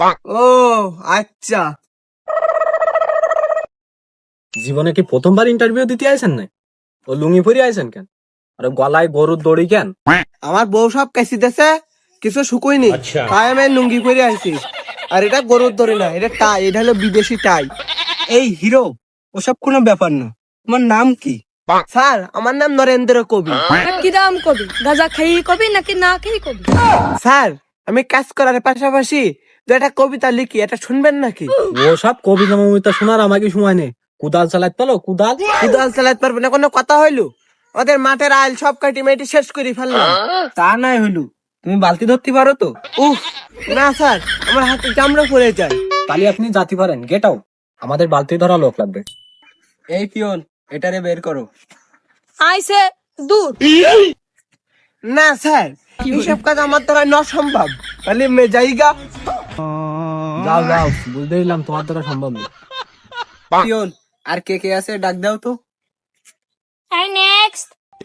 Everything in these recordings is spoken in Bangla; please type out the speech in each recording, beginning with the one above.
ও আচ্ছা, জীবনে কি প্রথমবার ইন্টারভিউ দিতে আইছেন না? ও লুঙ্গি পরে আইছেন কেন? আরে গলায় গরুর দড়ি কেন? আমার বউ সব কাশি দেছে, কিছু শুকুইনি, তাই আমি লুঙ্গি পরে আইছি। আর এটা গরুর দড়ি না, এটা টাই, এটা হলো বিদেশি টাই। এই হিরো, ওসব কোনো ব্যাপার না। তোমার নাম কি? স্যার, আমার নাম নরেন্দ্র কবি। কিরাম কবি? গাঁজা খেয়ে কবি নাকি না খেয়ে কবি? স্যার, আমি কাজ করার পাশাপাশি দু একটা কবিতা লিখি, এটা শুনবেন নাকি? ও সব কবিতা মমিতা শোনার আমাকে সময় নেই। কুদাল চালাতে পারো? কুদাল কুদাল চালাতে পারবে না, কোনো কথা হইলো? ওদের মাঠের আইল সব কাটি মেটি শেষ করে ফেললাম। তা নাই হইলো, তুমি বালতি ধরতে পারো তো? উফ, না স্যার, আমার হাতে চামড়া পড়ে যায়। তাহলে আপনি জাতি পারেন, গেট আউট। আমাদের বালতি ধরা লোক লাগবে। এই পিয়ন, এটারে বের করো। আইসে দূর। না স্যার, এইসব কাজ আমার দ্বারা না সম্ভব। তাহলে মে যাইগা। যাও যাও, বুঝতে দিলাম তোমার দ্বারা সম্ভব না। পিয়ন, আর কে কে আছে ডাক দাও তো। আর নেক্সট।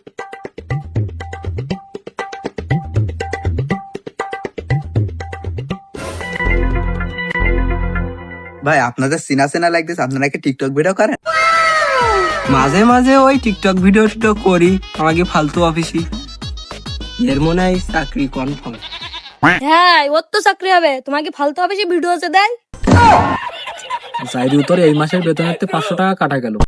ভাই আপনাদের চেনা চেনা লাগতেছে, আপনারা কি টিকটক ভিডিও করেন? মাঝে মাঝে ওই টিকটক ভিডিও টিডিও করি, আমাকে ফালতু অফিসি। এর মনে হয় চাকরি কনফার্ম। হ্যাঁ, ওর তো চাকরি হবে, তোমাকে ফালতু হবে সে ভিডিও আছে দেয়। চাইরি উত্তরে এই মাসের বেতনের 500 টাকা কাটা গেল।